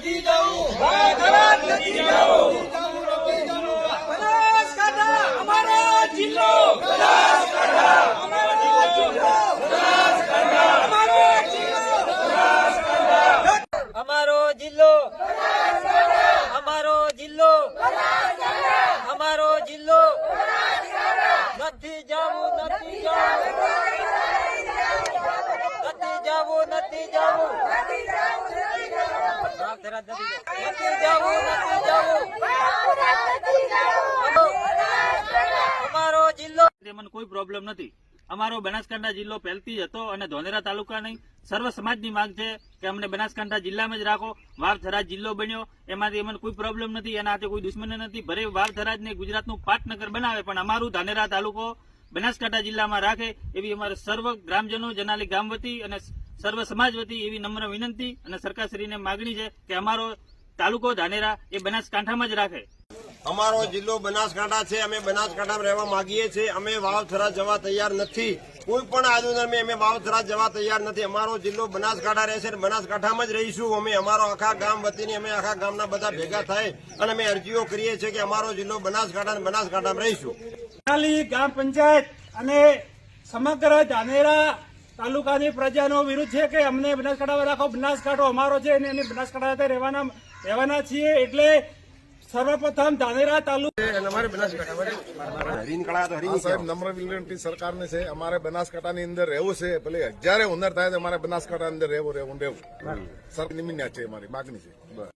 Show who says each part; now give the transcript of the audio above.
Speaker 1: નથી જવું, વાવ-થરાદ નથી જવું, બનાસકાંઠા અમારો જિલ્લો, બનાસકાંઠા અમારો જિલ્લો, બનાસકાંઠા અમારો જિલ્લો, બનાસકાંઠા અમારો જિલ્લો, અમારો જિલ્લો, અમારો જિલ્લો, નથી જવું, નથી જવું, નથી જવું, નથી જવું, વાવ-થરાદ નથી જવું, નથી જવું, અમારો જિલ્લો.
Speaker 2: મને કોઈ પ્રોબ્લેમ નથી. અમારો બનાસકાંઠા જિલ્લો પહેલથી જ હતો અને ધોલેરા તાલુકાની સર્વ સમાજની માંગ છે કે અમને બનાસકાંઠા જિલ્લામાં જ રાખો. વાવ-થરાદ જિલ્લો બન્યો એમાંથી અમને કોઈ પ્રોબ્લેમ નથી, એના હાથે કોઈ દુશ્મની નથી. ભલે વાવ-થરાદને ગુજરાતનું પાટનગર બનાવે પણ અમારું ધાનેરા તાલુકો બનાસકાંઠા જિલ્લામાં રાખે એવી અમારે સર્વ ગ્રામજનો જનાલી ગામ વતી અને સર્વ સમાજ વતી એવી નમ્ર વિનંતી અને સરકારશ્રીને માગણી છે કે અમારો તાલુકો ધાનેરા એ બનાસકાંઠામાં જ રાખે.
Speaker 3: અમારો જિલ્લો બનાસકાંઠા છે. અમે બનાસકાંઠામાં રહેવા માંગીએ છીએ. અમે વાવ-થરાદ જવા તૈયાર નથી. કોઈ પણ આંદોલનમાં અમે વાવ-થરાદ જવા તૈયાર નથી. અમારો જિલ્લો બનાસકાંઠા રહેશે અને બનાસકાંઠામાં જ રહીશું. અમે અમારો આખા ગામ વતીની અમે આખા ગામના બધા ભેગા થાય અને અમે અરજીઓ કરીએ છીએ કે અમારો જિલ્લો બનાસકાંઠા અને બનાસકાંઠામાં રહીશું.
Speaker 4: ગ્રામ પંચાયત અને સમગ્ર ધાનેરા તાલુકાની પ્રજાનો વિરોધ છે કે અમને બનાસકાંઠામાં રાખો. બનાસકાંઠો અમારો છે અને અમે બનાસકાંઠા રહેવાના છીએ. એટલે સર્વપ્રથમ ધાનેરા તાલુકા
Speaker 5: સાહેબ નમ્ર વિનંતી સરકારને છે. અમારે બનાસકાંઠાની અંદર રહેવું છે. ભલે હજારે હુનર થાય તો અમારે બનાસકાંઠા અંદર રહેવું સર નિમિત્ત છે અમારી માગણી છે.